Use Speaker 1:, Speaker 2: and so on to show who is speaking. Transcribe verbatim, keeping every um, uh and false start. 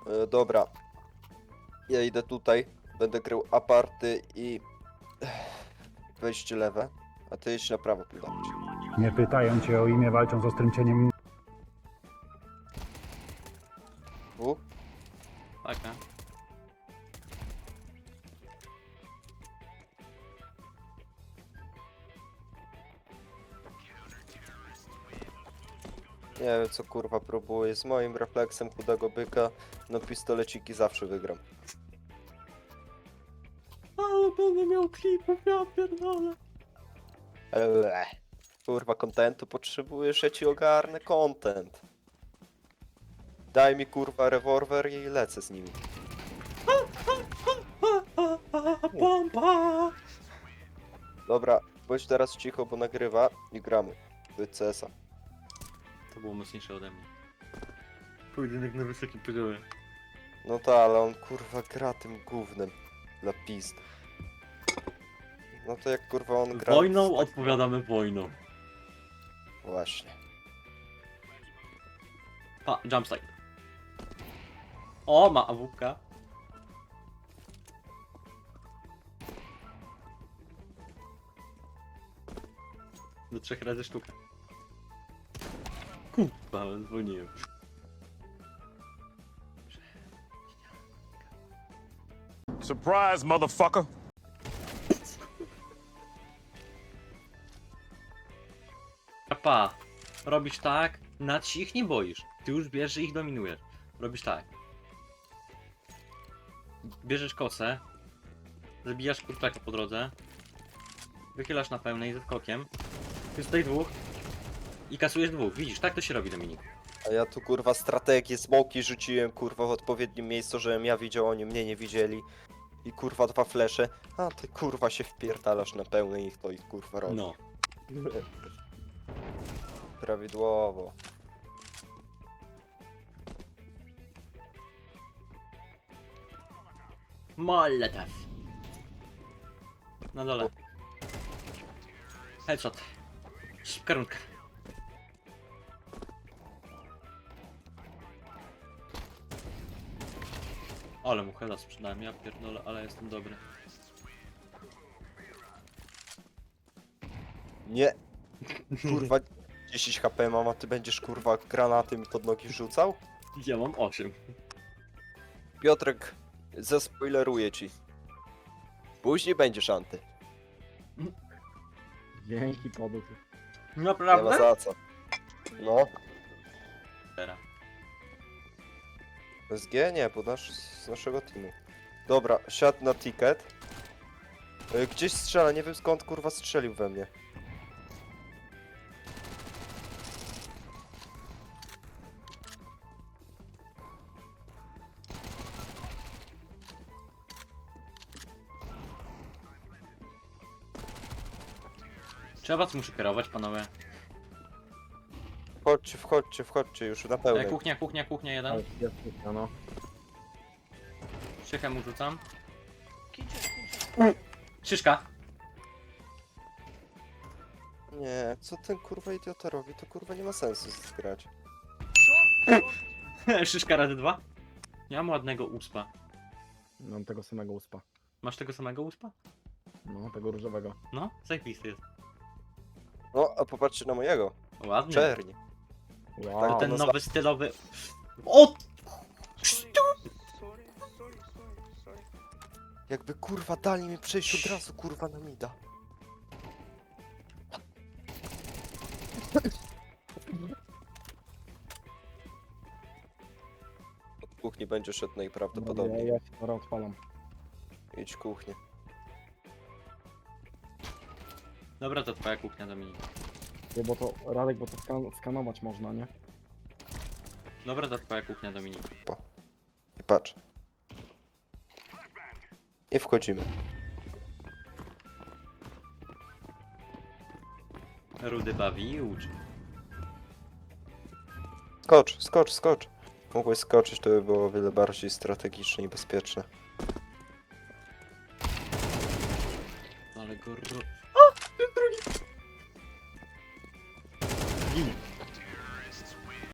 Speaker 1: E, dobra. Ja idę tutaj. Będę krył aparty i... wejście lewe. A ty idź na prawo pilnować.
Speaker 2: Nie pytają cię o imię, walczą z ostrym cieniem.
Speaker 1: U?
Speaker 3: Taka.
Speaker 1: Nie wiem co kurwa próbuję. Z moim refleksem chudego byka no pistoleciki zawsze wygram.
Speaker 3: Ale będę miał klipów, ja pierdolę.
Speaker 1: Eee. Kurwa kontentu potrzebujesz, ja ci ogarnę content. Daj mi kurwa rewolwer i lecę z nimi.
Speaker 3: Pompa!
Speaker 1: Dobra, bądź teraz cicho, bo nagrywa i gramy. Do C S a.
Speaker 3: To było mocniejsze ode mnie. Pojedynek na wysokim poziomie.
Speaker 1: No ta, ale on kurwa gra tym gównem. Dla pizd. No to jak kurwa on gra...
Speaker 3: Wojną
Speaker 1: tak-
Speaker 3: odpowiadamy wojną.
Speaker 1: Właśnie.
Speaker 3: Pa, jumpstyle. O, ma awupka. Do trzech razy sztuka. Kurwa, dzwoniłem.
Speaker 4: Surprise, motherfucker!
Speaker 3: Pa, robisz tak, nad się ich nie boisz. Ty już wiesz, że ich dominujesz. Robisz tak. Bierzesz kosę, zabijasz kurczaka po drodze, wychylasz na pełnej ze skokiem, jest tutaj dwóch i kasujesz dwóch. Widzisz, tak to się robi, Dominik.
Speaker 1: A ja tu kurwa strategię, smoki rzuciłem kurwa w odpowiednim miejscu, żebym ja widział, oni mnie nie widzieli. I kurwa dwa flesze. A ty kurwa się wpierdalasz na pełnej i to ich kurwa robi.
Speaker 3: No.
Speaker 1: Prawidłowo.
Speaker 3: Molotov. Na dole. Headshot. Szybka rundka. Ale mu heada sprzedałem, ja pierdolę, ale jestem dobry.
Speaker 1: Nie. Kurwa dziesięć H P mam, a ty będziesz kurwa granatem pod nogi rzucał?
Speaker 3: Ja mam osiem.
Speaker 1: Piotrek, zaspoileruję ci. Później będziesz anty.
Speaker 2: Dzięki, podół.
Speaker 1: Nie ma
Speaker 3: Naprawdę?
Speaker 1: za co. No.
Speaker 3: Teraz.
Speaker 1: S G? Nie, bo nasz, z naszego teamu. Dobra, siadł na ticket. Y, Gdzieś strzela, nie wiem skąd kurwa strzelił we mnie.
Speaker 3: Czy ja was muszę kierować, panowie?
Speaker 1: Wchodźcie, wchodźcie, wchodźcie już na
Speaker 3: E,
Speaker 1: pełnej.
Speaker 3: kuchnia, kuchnia, kuchnia jeden.
Speaker 2: Jest kuchnia, no.
Speaker 3: Szychę mu rzucam. Szyszka.
Speaker 1: Nie, co ten kurwa idiota robi, to kurwa nie ma sensu zgrać.
Speaker 3: Szyszka razy dwa. Ja mam ładnego uspa.
Speaker 2: Mam tego samego uspa.
Speaker 3: Masz tego samego uspa?
Speaker 2: No, tego różowego.
Speaker 3: No, zajebisty jest.
Speaker 1: No, a popatrzcie na mojego.
Speaker 3: Ładny.
Speaker 1: Czerni.
Speaker 2: Wow.
Speaker 3: Ten
Speaker 1: no
Speaker 3: nowy stylowy... O!
Speaker 1: Jakby kurwa dali mi przejść od razu kurwa na mida. Od kuchni będzie szedł
Speaker 2: Ja,
Speaker 1: najprawdopodobniej.
Speaker 2: ja się teraz odpalam.
Speaker 1: Idź kuchnię.
Speaker 3: Dobra, to twoja kuchnia, Dominik.
Speaker 2: Nie, bo to, Radek, bo to skan skanować można, nie?
Speaker 3: Dobra, to twoja kuchnia, Dominik.
Speaker 1: I patrz. I wchodzimy.
Speaker 3: Rudy bawi i uczy.
Speaker 1: Skocz, skocz, skocz. Mogłeś skoczyć, to by było o wiele bardziej strategiczne i bezpieczne.
Speaker 3: Ale go ro... Ginie.